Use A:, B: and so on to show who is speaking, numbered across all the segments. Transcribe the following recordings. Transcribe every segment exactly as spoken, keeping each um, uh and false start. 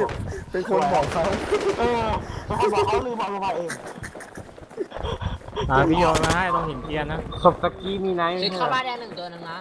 A: เป็นคนบอกเขา
B: เออเป็นคนบอกเขาลืมบอกลงมาเอง
C: อ่าพี่โยนมาให้ต้องหินเทียนนะ
B: ศพตะกี้มีไนท์
D: เข้าบ้านแดงหนึ่งตัวนึงนะ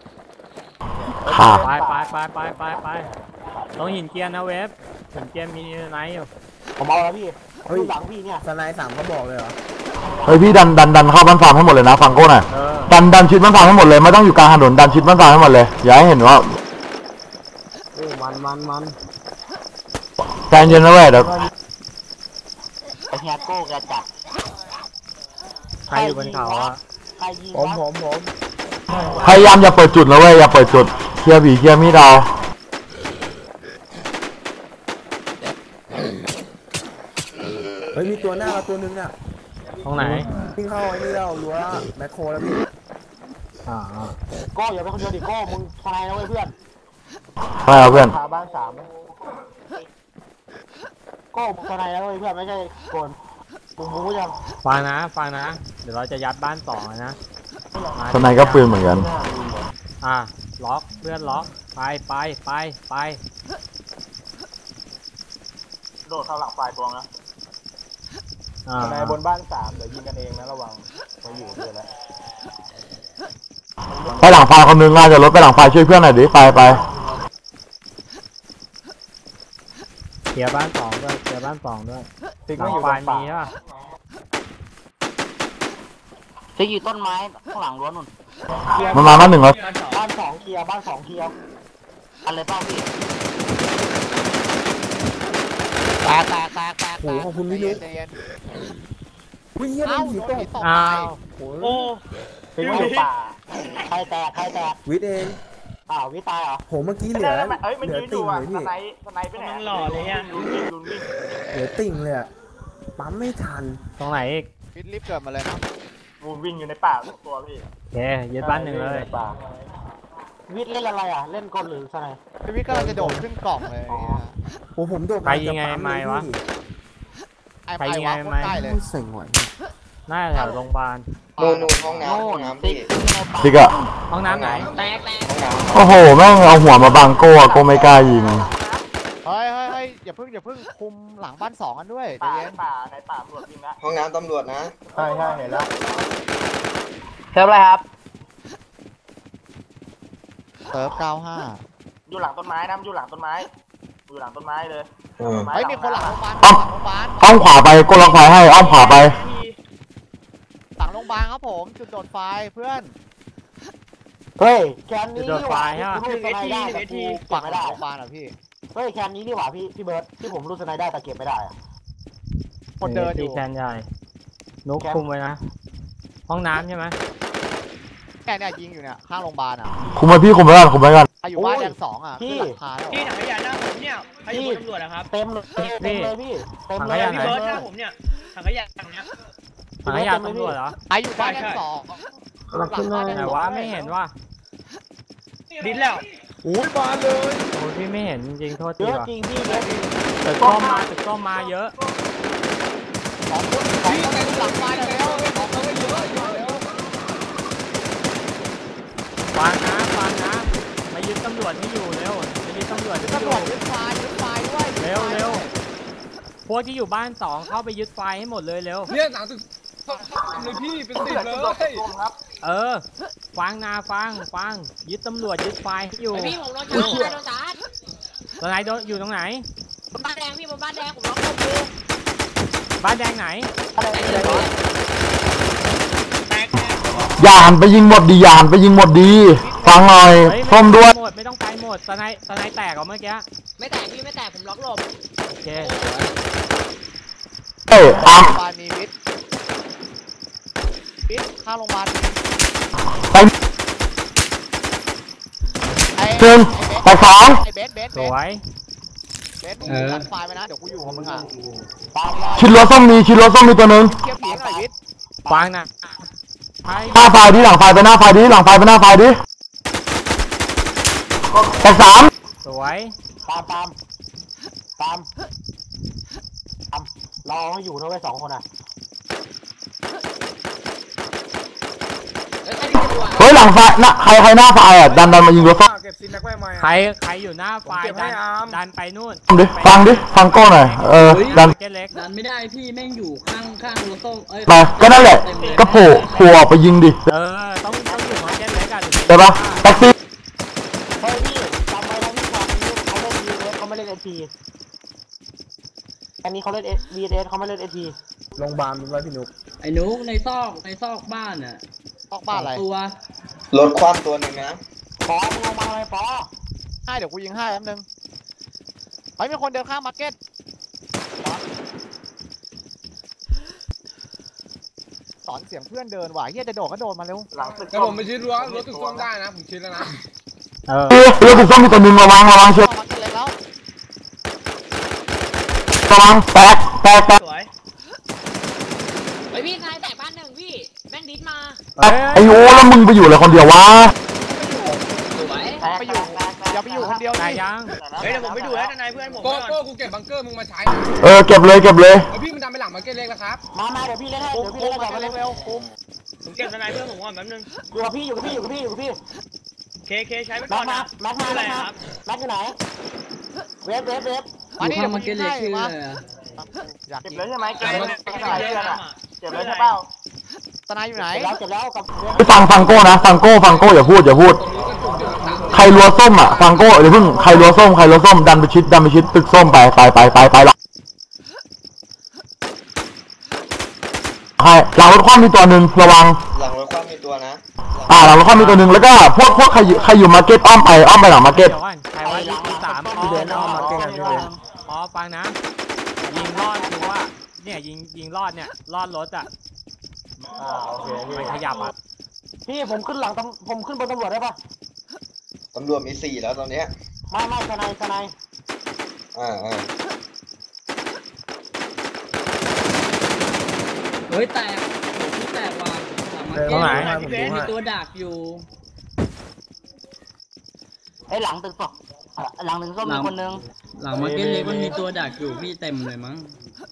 C: ไปไปไปไปไปไปต้องหินเทียนนะเว็บหินเทียนมีไนท์อยู่
B: ผมเอาแล้วพี่ดูหลังพี่เนี่ย
A: สไนด์สามเขาบอกเลยเหรอ
E: เฮ้ยพี่ดันดันดันเข้าบ้านฟาร์มให้หมดเลยนะฟังโก้หน่อยดันดันชิดบ้านฟาร์มให้หมดเลยไม่ต้องอยู่กลางถนนดันชิดบ้านฟาร์มให้หมดเลยอย่าให้เห็นว่า
B: โอ้มันมันมัน
E: ใจเย็นนะเว้ยเดี๋ยว
B: ไอ้เฮียโก้แกจับ
C: ใครอยู่บนเขาอ่ะ
A: ผมผมผม
E: พยายามอย่าเปิดจุดนะเว้ยอย่าเปิดจุดเคลียร์ผีเคลียร์มีดเอา
A: เฮ้ยมีตัวหน้าเราตัวนึงอ่ะ
C: ตรงไหน
A: วิ่งเข้าไอ้นี่เรารั้วแมคโครแล้วพี่
C: อ่า
B: โก้อย่าไปคนเดียวดิโก้มึงทนายนะเว้ยเพื่อน
E: ใช่ครับเพื่อน
B: พาบ้านสามโก้ทนายนะเว้ยเพื่อนไม่ใช่โกนกูรู้ยัง
C: ฟังนะฟังนะเดี๋ยวเราจะยัดบ้านต่อนะ
E: ทนายก็ปืนเหมือนกัน
C: อ่ะล็อกเพื่อนล็อกไปไปไปไป
B: โดดเข้าหลังฝ่ายตวงนะทนายบนบ้านสามเดี๋ยวยิงกันเองนะระวังมาอยู่ด้วยแล้ว
E: ไปหลังไฟคนนึงน่าจะรถไปหลังไฟช่วยเพื่อนหน่อยดิไปไป
C: เคลียร์บ้านสองด้วยเคลียร์บ้านสองด้วยหลังไฟมีใช่ป่ะ
D: จะอยู่ต้นไม้ข้างหลังรั้วนุ่น
E: มันมาบ้านหนึ่งแล้ว
B: บ้านสองเคลียร์บ้านสองเคลียร์
D: อะไรเปล่าพี่แตกแตกแตกแตก
A: โอ้ขอบคุณพี่นุ๊กวิ่งเยี่ยมผีตก
C: อ้าว
B: โอ้เป็นวิป่าใครแตกใครแตก
A: วิทเอง
B: อ้าววิตายเหรอ
A: ผมเมื่อกี้เหลือเหลือติ่งเลยพี่
B: สไนสไนไปไหนหล่อเลยอ่ะ
A: เหลือติ่งเลยอ่ะปั๊มไม่ทัน
C: ตรงไหนอีก
B: วิทรีบเกิดมาเลยครับวูวิ่งอยู่ในป่าตัวพี่
C: โอเคยึดบ้านหนึ่งเลย
B: วิทเล่นอะไรอ่ะเล่นกลหรือสไน
F: พี่วิทก็เราจะโดดขึ้นกล่องเลย
A: โอ้ผมโดด
C: ไปยังไงไม่วะไปยังไงไม่
A: เส็งหว
C: หน้าแถวโรงพยาบาล
F: โน่นห้องน้ำห้องน้ำพี่
E: ดิกอะ
C: ห้องน้ำไหน
D: แตกแตก
E: โอ้โหแม่งเอาหัวมาบังโก้โก้ไม่กล้ายิง
F: เฮ้ยเฮ้ยเฮ้ยอย่าเพิ่งอย่าเพิ่งคุมหลังบ้านสองกันด้วย
B: ป่าป่าในป่าตำรวจยิงนะ
F: ห้องน้ำตำรวจนะ
B: ใช่ใช่เห็นแล้ว
D: เซิร์ฟอะไรครับ
F: เซิร์ฟเก้าห้า
B: อยู่หลังต้นไม้นะอยู่หลังต้นไม้อยู่หลังต้นไม้เลย
F: ไม่มีคนหลังโรงพยาบาล
E: อ้อมอ้อมขวาไปก้ล็อกไฟให้อ้อมขวาไป
F: หลังโรงพยาบาลครับผมจุดโดดไฟเพื่อน
B: เฮ้ยแคนนี้
C: โดดไฟฮะ
B: รูดสไนได้แต่กู
F: ฝั่ง
B: ไม่ได้
F: โรงพยาบาลอ่ะพี่
B: เฮ้ยแคนนี้นี่หว่าพี่พี่เบิร์ดที่ผมรูดสไนได้แต่เก็บไม่ได้อะ
F: คนเดินอยู่
C: แคนใหญ่นุ๊กคุมไว้นะห้องน้ำใช่ไหม
F: แค่เนี่ยยิงอยู่เนี่ยข้างโรงพยาบาลอ่ะ
E: คุมไปพี่คุมไปก่อนคุมไปก่อน
F: อยู่บ้านแดงสองอ่ะ
B: พี่
D: พี่ถังขยะหน้าผมเนี่ยใครอยู่บนตำรวจนะครับ
B: เต็มเลยเต็มเลยพี่เต็มเลย
D: พี่เบิร์ดหน้าผมเนี่ยถังขยะถังเนี้ย
C: ถังขยะตำรวจเหรอ
F: ใครอยู่บ้านแดงสอง
B: หลังขึ้นเลย
C: แต่ว่าไม่เห็นว่า
D: ดิ้นแล้ว
F: โอ้ยบานเลย
C: โอ้พี่ไม่เห็นจริงโทษที
B: เยอะจริงพี่เยอะจริง
C: แต่ก็มาแต่ก็มาเยอะ
F: พี่ในหลังบ้านแล้วของเขาเยอะเยอะ
C: ฟังนะฟังนะมายึดตำรวจให้อยู่เร็วมายึดตำรวจ
F: ตำรวจยึดไฟยึดไฟด้วย
C: เร็วเร็วพวกที่อยู่บ้านสองเข้าไปยึดไฟให้หมดเลยเร็ว
F: เนี่ยหลังตึกเลยพี่เป็นสิบเลย
C: เออฟังนาฟังฟังยึดตำรวจยึดไฟให้อยู่
D: พี่ผมโดนจับโดนจับ
C: ตรงไหนโดนอยู่ตรงไหน
D: บ้านแดงพี่บนบ้านแดงผมล็อกตัว
C: บ้านแดงไหน
E: ยานไปยิงหมดดียานไปยิงหมดดีฟังหน่อยส้มด้วย
C: หมดไม่ต้องไปหมดสไนสไนแตกเหรอเมื่อกี้
D: ไม่แตกพี่ไม่แตกผมล็อกหลบ
C: โอเค
E: เอ้ยอ้าม
F: บ้านมีวิทย์วิทย์ข้างโรงพยาบาล
E: ไปหนึ่งไปสอง
F: ไอ้เบสเบส
C: สวย
F: เบสมึงตัดไฟไปนะเดี๋ยวกูอยู่ของมึงอ่ะ
E: ชิดรถส้มมีชิดรถส้มมีตัวนึง
F: เทียบผีหน่อยวิทย์
C: ฟังนะ
E: หน้าไฟดิหลังไฟไปหน้าไฟดิหลังไฟไปหน้าไฟดิแต่สาม
C: สวย
B: ตามตามตามตามรอให้อยู่นะเว้ยสองคนอ่ะ
E: เฮ้ยหลังไฟนะใครใครหน้าไฟอ่ะดันดันมายิงรถส้ม
B: เก็บซินแม็กไว้ไหม
C: ใครใครอยู่หน้าไฟดันดันไปนู่น
E: ดิฟังดิฟังโก้หน่อยเออดัน
C: เกเล็ก
G: ดันไม่ได้พี่แม่งอยู่ข้างข้างรถส้มเอ้ย
E: มาก็นั่นแหละก็โผล่โผล่ออกไปยิงดิ
C: เออต้องต้องอยู่มาเกเล็กอะ
E: ใช่ปะแท็กซี่
B: เฮ้ยพี่จำไว้นะพี่ความนี้เขาเล่น วี เอส เขาไม่เล่น เอ พี อันนี้เขาเล่น วี เอส เขาไม่เล่น เอ พี โรงพยาบาลเป็นไรพี่นุ๊ก
G: ไอ้นุ๊กในซอกในซอกบ้านอ่ะ
F: ออกบ้านอะไร
G: ตัว
H: รถคว่ำตัวหนึ่งนะ
B: ปอมึงลงมาเลยปอ
F: ให้เดี๋ยวกูยิงให้แป๊บนึงเฮ้ยมีคนเดินข้ามมาร์เก็ตสอนเสียงเพื่อนเดินว่ะเฮียจะโดดก็โดดมาเร็ว
B: หลังตึก
I: แต่ผมไปชิดรั้วรถตึกส้มได้นะผมชิดแล้วนะ
C: เออ
E: เรือเรือถูกต้องมีตัวหนึ่งระวังระวังเชียว
F: เข้ามาร์เก็ตเล็กแล้ว
E: ระวังแตกแตกแตก
D: สวยเฮ้ยพี่นายแตกบ้านหนึ่งพี่แม่งดิสมา
E: แตกไอ้โอ้แล้วมึงไปอยู่อะไรคนเดียววะ
D: สวย
F: ไปอยู่อย่าไปอยู่คนเดียว
C: นา
F: ดิ
C: ยยัง
D: เฮ้ยเดี๋ยวผมไปดูแล้วนายเพื่อนผม
I: โก้โก้กูเก็บบังเกอร์มึงมาใช้
E: เออเก็บเลยเก็บเลย
I: ไอพี่มันดันไปหลังมาร์เก็ตเล็กแล้วครับ
B: มามาเดี๋ยวพี่เล่นให้
D: คุม
B: เดี๋ยวพี่
D: คุม
B: เล่น
D: มา
B: ให้ก่อนมา
D: เร็
B: เร็
D: ว
B: ว
D: เร็วคุมผมเก็บนายเพื่อนผมก่อนแป๊บนึง
B: อยู่กับพี่อยู่กับพี่อยู่กับพี่อยู่กับพี่
D: เคเคใช้ไป
B: แม็
D: ก่อก น
B: มา
D: นะ
B: แม็กมา
D: อะไร
B: แม็กมา
D: ครับ
B: แม็กอยู่ไหน เวฟเวฟเวฟ
F: มานี่
G: ข้า
F: เดี๋ยว
G: ง
F: กู
G: มา
F: ยิ
G: เก็ต
F: ง
G: เลย
F: ให้
G: ชื่อ
F: มา
G: อะไรอะ
F: อยาก
B: เก็บ
F: ยิง
B: เลยใช่ไหมเก็บ
D: ใช้
B: เลย
D: ไป
B: ใช่ไหม
D: เยอะ
B: เก็บเลยใช่เปล่า
F: ตนายอยู่ไหน
B: เก็บแล้วเก็บแล้วกับเวฟ
E: ไปฟังฟังโก้นะฟังโก้ฟังโก้อย่าพูดอย่าพูด ใครรัวส้มอ่ะฟังโก้เดี๋ยวเพิ่งใครรัวส้มใครรัวส้มดันไปชิดดันไปชิดตึกส้มไปไปไปไปไปหลังใครหลังรถคว่ำมีตัวหนึ่งระวัง
H: หลังรถคว่ำมีตัวนะ
E: อ่าหลังรถคว่ำมีตัวหนึ่งแล้วก็พวกพวกใครอยู่ใครอยู่มาร์เก็ตอ้อมไปอ้อมไปหลังมาร์เก็ต
C: เดี๋ยวก่อนใครว่ายิงที่สามอ๋ออ๋อฟังนะยิงรอดคือว่าเนี่ยยิงยิงรอดเนี่ยรอดรถอ่ะ
B: อ่าโอเคพี่
C: มันขยับอ่ะ
B: พี่ผมขึ้นหลังตำผมขึ้นบนตำรวจได้ปะ
H: ตำรวจมีสี่แล้วตอนเนี้ย
B: ไม่ไม่ทนายทนาย
H: อ่าอ่า
G: เฮ้ยแตกพี่แตกว่ะหลังมาร์เก็ตเลยมีตัวดักอยู่
B: ไอ้หลังตึกสองหลังตึกส้มมีคนนึง
G: หลังมาร์เก็ตเล็กมันมีตัวดักอยู่พี่เต็มเลยมั้ง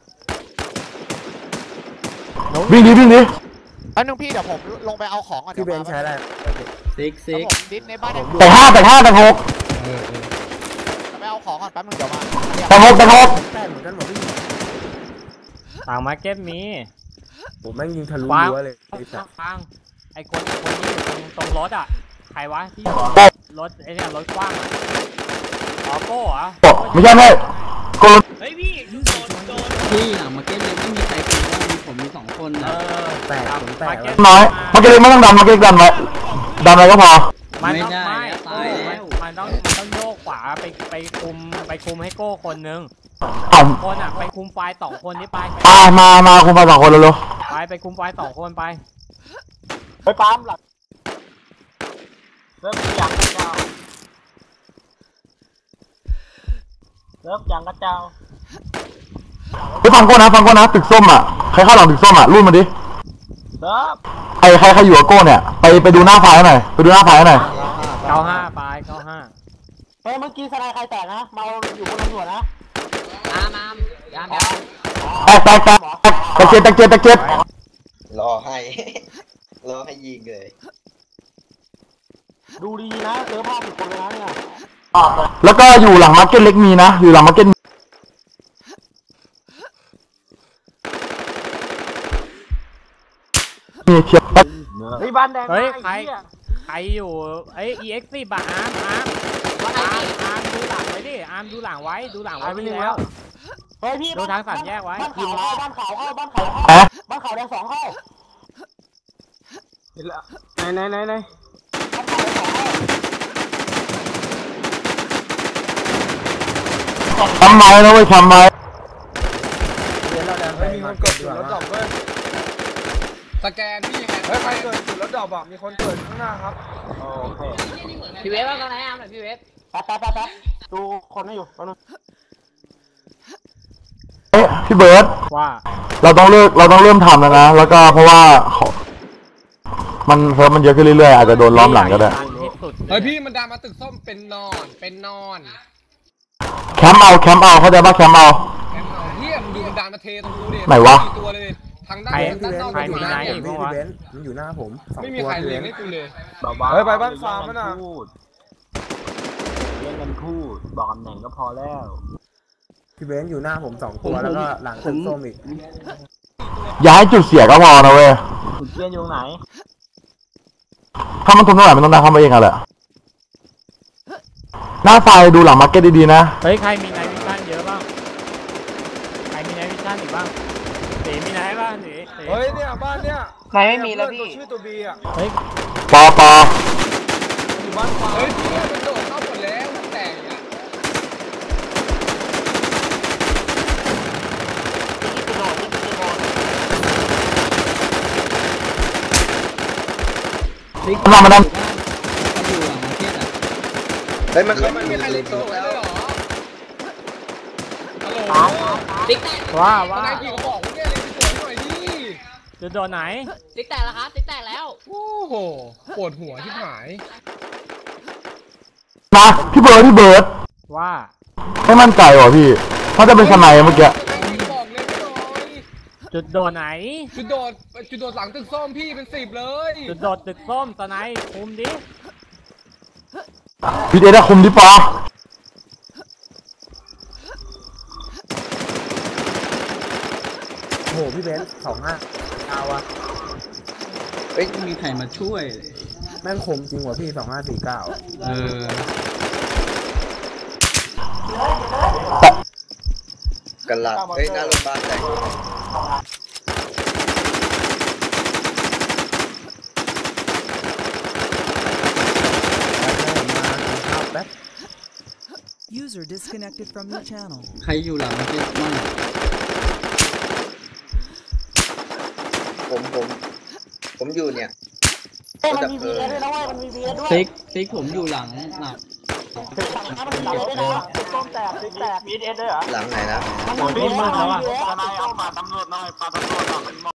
E: วิ่งดิวิ่งดิ
F: แป๊บนึงพี่เดี๋ยวผมลงไปเอาของก่อนพี่เบนใช้อะไร
G: ซิกซิก
F: ผมดิสในบ้านเนี่ย
E: แต่ห้าแต่ห้าแต่หก
F: ไปเอาของก่อนแป๊บนึงเดี๋ยวมา
E: แต่หกแต่หก
C: ต่างมาร์เก็ตมี
B: ผมแม่งยิงทะลุ
C: วาง
B: รั้วเลย
C: ฟังไอ้คนคนที่อยู่ตรงตรงรถอ่ะใครวะที่รถไอ้เนี่ยรถกว้างอ่ะอ๋อโก้เหรอ
E: ไม่ใช่ไม่โกน
D: เฮ้ยพี่โดนโดน
G: พี่หลังมาร์เก็ตเล็กไม่มีใครกินว่ามีผมมีสองคน
C: เอ
G: นะ
C: อแต่มาร์เก็ต
E: น้อยมาร์เก็ตไม่ต้องดันมาร์เก็ตดันไว้ดันไว้ก็พอ
C: มันต้องไม่มันต้องมันต้องโยกขวาไปไปคุมไปคุมให้โก้คนนึง
E: อ่ะ
C: คนอ่ะไปคุมไฟสองคนนี้ไป
E: อ่ามามาคุณมาสองคนเร็ว
C: ไปไปคุมไฟสองคนไป
B: ไปปั๊มหลังเริ่มยังกระเจ้าเริ่มยังกระเจ้า
E: ๆไปฟังโก้นะฟังโก้นะตึกส้มอ่ะใครเข้าหลังตึกส้มอ่ะรุ่นมาดิ
B: เริ่ม
E: ใครใครใครอยู่กับโก้เนี่ยไปไปดูหน้าไฟหน่อยไปดูหน้าไฟหน่อย
C: เก้าห้าไปเก้าห้า
B: เฮ้ยเมื่อกี้ทนายใครแตกนะมาอยู่บนตำรวจนะ
D: อามอามยามยาม
E: แตกแตกแตกตะเกียบตะเกียบตะเกียบ
H: รอให้ รอให้ยิงเลย
B: ดูดีนะเจอภาพผิดคนเลยนะเนี่ย
E: แล้วก็อยู่หลังมาร์เก็ตเล็กมีนะอยู่หลังมาร์เก็ตมีเทียบ
B: เฮ้ยบ้านแดง
C: เฮ้ยใครใครอยู่ไอ้เอ็กซ์สี่บาอาร์มอาร์มอาร์มอาร์มดูหลังไว้ดิอาร์มดูหลังไว้ดูหลังไว้พี่แล้ว
B: เฮ้ยพี่
C: ดูทางสามแยกไว้
B: บ้านขาวเข้าบ้านขาวเข้าบ้านขาวเข้า
E: ฮะ
B: บ้านขาวแดงสองเข้าไหนไหนไหนไหนบ้านขาวแดงสองเข้า
E: ทำไมนะเว้ยทำไม
I: ไม่มีคนกดจุดรถดรอปเว้ยสแกนพี่ยังไงเฮ้ยใครเกิดจุดรถดรอปอ่ะมีคนเกิดข้างหน้าครับโอเค
D: พี่เวฟว่าตอนไหนอามหน่อยพี่เวฟ
B: แป๊บแป๊บแป๊บแป๊บดูคนไม่อยู่แป๊บนึง
E: เอ๊ะพี่เบิร์ด
C: ว่า
E: เราต้องเลิกเราต้องเริ่มทำแล้วนะแล้วก็เพราะว่าเขามันเพิ่มมันเยอะขึ้นเรื่อยๆอาจจะโดนล้อมหลังก็ได้
C: ที่สุด
I: เฮ้ยพี่มันดันมาตึกส้มเป็นนอนเป็นนอน
E: แคมป์เอาแคมป์เอาเข้าใจป่ะแคมป์เอา
I: แอมเอาเฮียมันดูมันดันมาเทตรงกูดิ
E: ไหนวะ
I: สี่ตัวเลยทางด้านด้านนอก
C: ใคร
I: อยู่
C: มี
I: นะ
C: ไนท์อีกมั้งวะ
I: ไม่มีใครเลี้ยงให้กูเลย
B: เฮ้ยไปบ้าน
I: ฟาร์มมันอ่ะ
B: เล่นกันคู่บอกตำแหน่งก็พอแล้ว
J: พี่เบนซ์อยู่หน้าผมสองตัวแล้วก็หลังตึกส้มอีก
E: อย่าให้จุดเสียก็พอนะเว้ย
B: คุณเกียนอยู่ไหน
E: ถ้ามันทนไม่ไหวมันต้องดันเข้ามาเองอะแหละหน้าไฟดูหลังมาร์เก็ตดีๆนะ
C: เฮ้ยใครมีไนท์วิชั่นเยอะบ้างใครมีไนท์วิชั่นอีกบ้างเต๋มีไนท์บ้างเต๋เต๋
I: เฮ้ยเนี่ยบ้านเนี่ย
F: ไหนไม่มีแล้วพี่
I: ชื่อตัวบีอ่ะ
C: เฮ้ย
E: ปอปอ
I: อยู่บ้านฟ้าเฮ้ยพี่มันโดดเข้าหมดแล้วมันแตกอ่ะ
G: ติ๊ก
E: มามาดัน
G: มันอยู่หลังมาร์เก็ตอ่ะ
H: เฮ้ยมันเข้ามา
I: มี
H: มี
I: ใคร
H: เล
I: เล่
H: ย
I: น
H: ตั
I: ตัว
H: ว
I: แล้
H: แล้ว ว
I: เหรอฮัลโหล
D: ติ๊กแตก
C: ว่า
I: ว่า
C: ว่า
I: นายกี่กระบอกเนี่ยเล่นตัวหน่อยดิ
C: จะโดนไหน
D: ติ๊กแตกแล้วครับติ๊กแตกแล้ว
I: โอ้โหปวดหัวที่หาย
E: นะพี่เบิร์ดพี่เบิร์ด
C: ว่า
E: ไม่มั่นใจว่ะพี่เขาจะเป็นสไนเมื่อกี้
I: บอกเลยไม่น้อย
C: จุดโดนไหน
I: จุดโดดจุดโดดหลังตึกส้มพี่เป็นสิบเลย
C: จุดโดดตึกส้มตอนไหนคุมดิ
E: พี่เอได้คุมดิปอ
J: โอ้โหพี่เบนซ์สองห้าเอาวะ
G: เฮ้ยมีใครมาช่วย
J: แม่งคมจริงว่ะพี่สองห้าสี่เก้า
G: เออ
H: กันหลับเฮ้ยหน้าโรงพยาบาลแตก
J: ข้าวแป๊บ
K: User disconnected from your channel.
G: ใครอยู่หลังมาร์เก็ตบ้าง
H: ผมผม ผมอยู่เนี่ย
F: เฮ้ยมันมี วี เอ ด้วยนะเว้ยมันมี วี เอ ด้วย
G: ติ๊กติ๊กผมอยู่หลังหลัง
F: ตึกหลังนะมันมี วี เอ ด้วยนะตึกส้มแตกตึกแตก
B: มีเอสด้วยเหรอ
H: หลังไหนนะ
F: มันมี วี เอ
C: โอ้ยนี่มึงแล้วอะ
F: มันมี วี เอ
B: ทนายเอามาตำรวจหน่อยปาตำรวจหน่อย